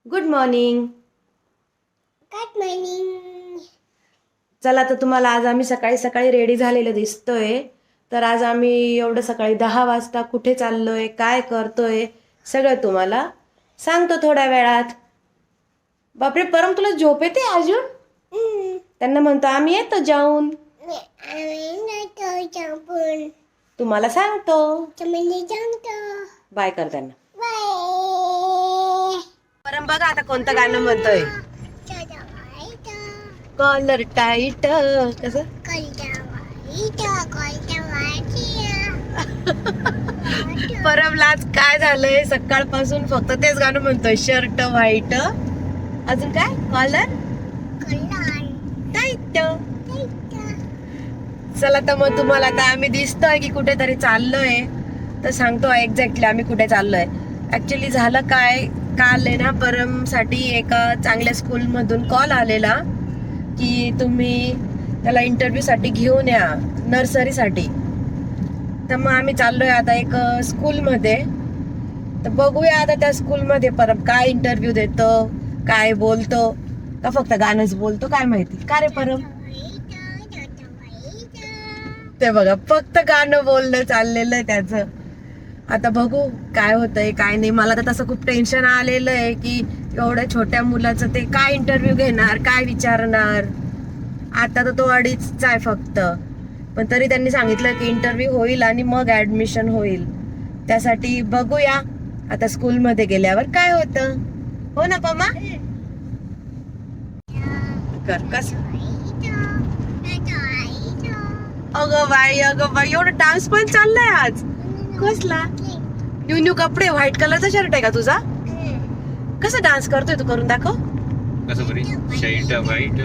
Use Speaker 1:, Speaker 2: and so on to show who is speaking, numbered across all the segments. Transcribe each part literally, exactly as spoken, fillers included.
Speaker 1: Good morning.
Speaker 2: Good morning.
Speaker 1: चला तर तुम्हाला आज आम्ही सकाळी सकाळी रेडी झालेलं दिसतोय. तर आज आम्ही एवढं सकाळी दहा वाजता कुठे चाललोय, काय करतोय, सगळं तुम्हाला सांगतो थोड्या वेळात. बापरे परम, तुला झोप येते अजून? त्यांना म्हणतो आम्ही येतो जाऊन. तुम्हाला सांगतो. बाय कर त्यांना. परम बघा आता कोणतं गाणं म्हणतोय. Collar tight. कसं परमला आज काय झालंय, सकाळपासून फक्त तेच गाणं म्हणतोय. शर्ट व्हाईट, अजून काय कॉलर टाईट. चला तर मग तुम्हाला आता आम्ही दिसतोय की कुठेतरी चाललोय, तर सांगतो एक्झॅक्टली आम्ही कुठे चाललोय. ऍक्च्युली झालं काय, काल आहे ना परम साठी एका चांगल्या स्कूल मधून कॉल आलेला की तुम्ही त्याला इंटरव्ह्यू साठी घेऊन या, नर्सरीसाठी. तर मग आम्ही चाललोय आता एक स्कूल मध्ये. तर बघूया आता त्या स्कूल मध्ये परम काय इंटरव्ह्यू देतो, काय बोलतो, का फक्त गाणंच बोलतो काय माहिती. का रे परम? ते बघा फक्त गाणं बोलणं चाललेलं आहे त्याचं. आता बघू काय होतंय काय नाही. मला तर तसं खूप टेन्शन आलेलं आहे की एवढ्या छोट्या मुलाचं ते काय इंटरव्ह्यू घेणार, काय विचारणार. आता तर तो अडीचचा आहे फक्त, पण तरी त्यांनी सांगितलं की इंटरव्ह्यू होईल आणि मग ऍडमिशन होईल. त्यासाठी बघूया आता स्कूल मध्ये गेल्यावर काय होतं. हो ना पमा? कर कस. अगं बाई अगं बाई, एवढं डान्स पण चाललाय आज. कसला न्यू न्यू कपडे, व्हाईट कलरचा शर्ट आहे का तुझा? कसा डान्स करतोय तू, करून दाखव.
Speaker 3: कसं बरी शर्ट व्हाईट.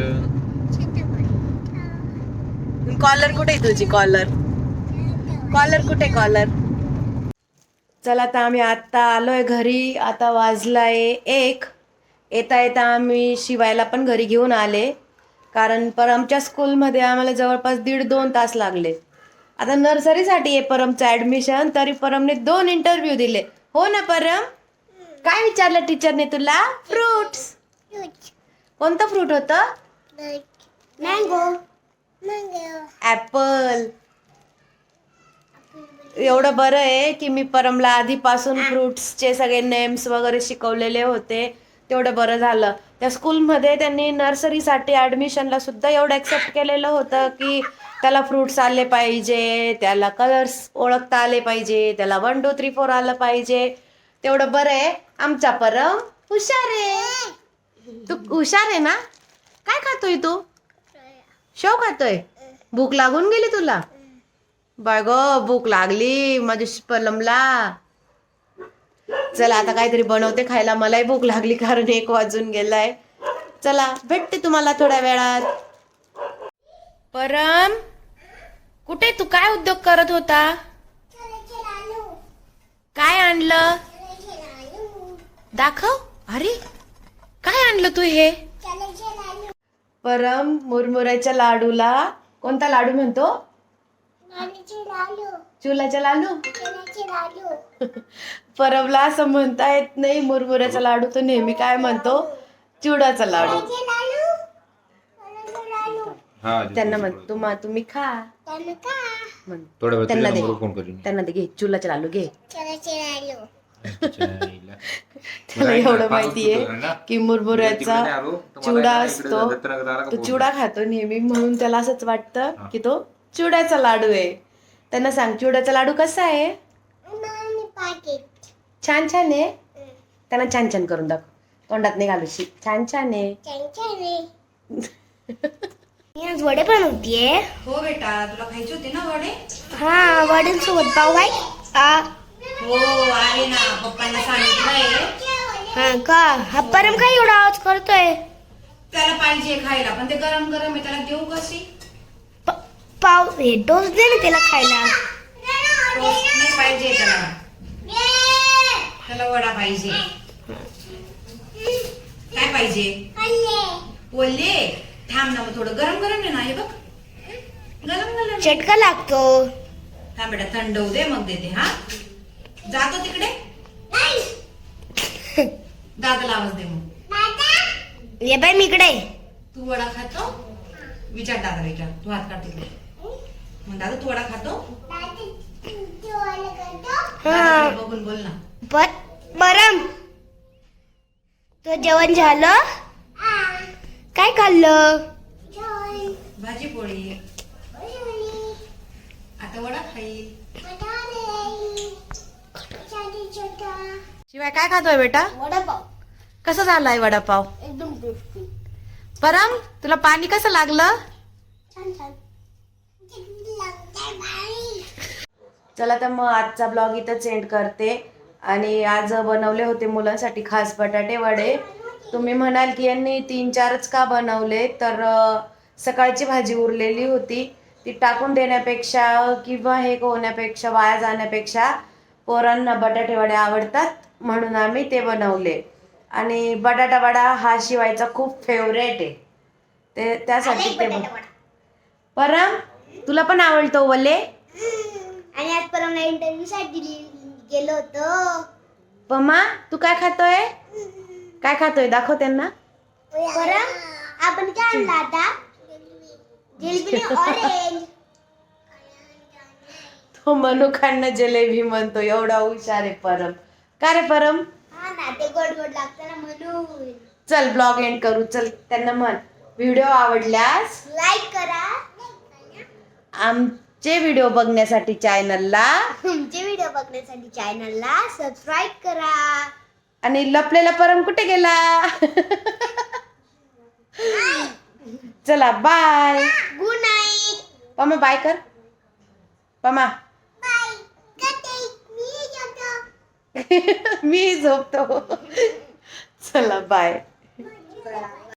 Speaker 1: कॉलर कुठे आहे तुझी? कॉलर कॉलर कुठे? कॉलर. चला आता आम्ही आता आलोय घरी. आता वाजलाय एक. येता येता आम्ही शिवायला पण घरी घेऊन आले, कारण परमच्या स्कूलमध्ये आम्हाला जवळपास दीड दोन तास लागले. आता नर्सरीसाठी आहे परमचं ऍडमिशन, तरी परमने दोन इंटरव्ह्यू दिले. हो ना परम? काय विचारलं टीचरने तुला? फ्रुट्स. कोणतं फ्रूट होतं?
Speaker 2: मँगो.
Speaker 1: ऍपल. एवढं बरं आहे की मी परमला आधीपासून फ्रुट्सचे सगळे नेम्स वगैरे शिकवलेले होते. तेवढं बरं झालं. त्या स्कूलमध्ये त्यांनी नर्सरीसाठी ऍडमिशनला सुद्धा एवढं ऍक्सेप्ट केलेलं होतं की त्याला फ्रुट्स आले पाहिजे, त्याला कलर्स ओळखता आले पाहिजे, त्याला वन टू थ्री फोर आलं पाहिजे. तेवढं बरं आहे. आमचा परम हुशार आहे. तू हुशार आहे ना? काय खातोय तू? शेव खातोय? भूक लागून गेली तुला? बाय ग, भूक लागली माझ्या परमला. चला आता काहीतरी बनवते खायला, मलाही भूक लागली कारण एक वाजून गेलाय. चला भेटते तुम्हाला थोड्या वेळात. परम कुठे? तू काय उद्योग करत होता? काय आणलं दाखव. अरे काय आणलं तू हे? परम मुरमुऱ्याच्या लाडूला कोणता लाडू म्हणतो? चुलाच्या लाडू. परमला असं म्हणता येत नाही मुरमुऱ्याचा लाडू, तो नेहमी काय म्हणतो? चिवडाचा लाडू. त्यांना म्हण तुम्हा तुम्ही खा. म्हण. त्यांना दे, त्यांना दे. घे चुलाचा लाडू घे. त्याला एवढं माहितीये की मुरमुऱ्याचा चिवडा असतो, तो चिवडा खातो नेहमी, म्हणून त्याला असंच वाटतं की तो चिवड्याचा लाडू आहे. त्यांना सांग चिवड्याचा लाडू कसा आहे? छान छान आहे. त्यांना छान छान करून दाखव, तोंडात नाही घालू. छान छान आहे.
Speaker 2: आज वडे बनवतीये.
Speaker 1: हो बेटा, तुला खायची होती ना वडे?
Speaker 2: हा, वड्यांसोबत पाव आहे.
Speaker 1: हो आहे ना, पप्पांना सांगितलंय.
Speaker 2: हा का? हा परम काय एवढा आवाज करतोय?
Speaker 1: त्याला पाहिजे खायला, पण ते गरम गरम आहे, त्याला देऊ कशी?
Speaker 2: पाव हे डोस दे ना त्याला खायला.
Speaker 1: टोस्ट नाही पाहिजे त्याला, त्याला वडा पाहिजे. काय पाहिजे? बोलले थांब ना, मग थोडं गरम गरम आहे ना, हे बघ गरम गरम.
Speaker 2: चटका लागतो.
Speaker 1: थांब बेटा, थंड होऊ दे मग देते. हा जातो तिकडे, दादाला आवाज दे मग.
Speaker 2: ये बाई मी इकडे.
Speaker 1: तू वडा खातो? विचार दादा विचार. तू हात काढ तिकडे. मग दादा तू वडा खातो?
Speaker 2: हा.
Speaker 1: दादाकडे बघून बोल ना.
Speaker 2: पर परम तो जेवण झालं? काय खाल्लं?
Speaker 1: भाजी पोळी. आता वडा खाईल. शिवाय काय खातोय बेटा?
Speaker 2: वडापाव.
Speaker 1: कसं झालाय वडापाव?
Speaker 2: एकदम टेस्टी.
Speaker 1: परम तुला पाणी कसं लागलं?
Speaker 2: छान छान.
Speaker 1: चला तर मग आजचा ब्लॉग इथंच एंड करते. आणि आज बनवले होते मुलांसाठी खास बटाटे वडे. तुम्ही म्हणाल की यांनी तीन चारच का बनवले, तर अं, सकाळची भाजी उरलेली होती ती टाकून देण्यापेक्षा किंवा हे होण्यापेक्षा वाया जाण्यापेक्षा पोरांना बटाटे वडे आवडतात म्हणून आम्ही ते बनवले. आणि बटाटा वडा हा शिवायचा खूप फेवरेट आहे, ते त्यासाठी ते बन- परम तुला पण आवडतो वले?
Speaker 2: आणि आज परमला इंटरव्ह्यू साठी गेलो होतो.
Speaker 1: पमा तू काय खातोय? काय खातोय दाखव त्यांना.
Speaker 2: परम आपण काय आणलं आता? जिलेबी ऑरेंज.
Speaker 1: तो मनुखांना जलेबी म्हणतो, एवढा हुशार आहे परम. का रे परम?
Speaker 2: हा ना, ते गोड गोड लागतं ना म्हणून.
Speaker 1: चल ब्लॉग एंड करू. चल त्यांना म्हण व्हिडिओ आवडल्यास
Speaker 2: लाईक करा.
Speaker 1: आमचे व्हिडिओ बघण्यासाठी चॅनलला
Speaker 2: तुमचे व्हिडिओ बघण्यासाठी चॅनलला सबस्क्राईब करा.
Speaker 1: आणि लपलेला परम कुठे गेला? चला bye.
Speaker 2: Good night.
Speaker 1: Pama bye कर. पमा
Speaker 2: बाय. मी जातो.
Speaker 1: मी झोपतो. चला बाय.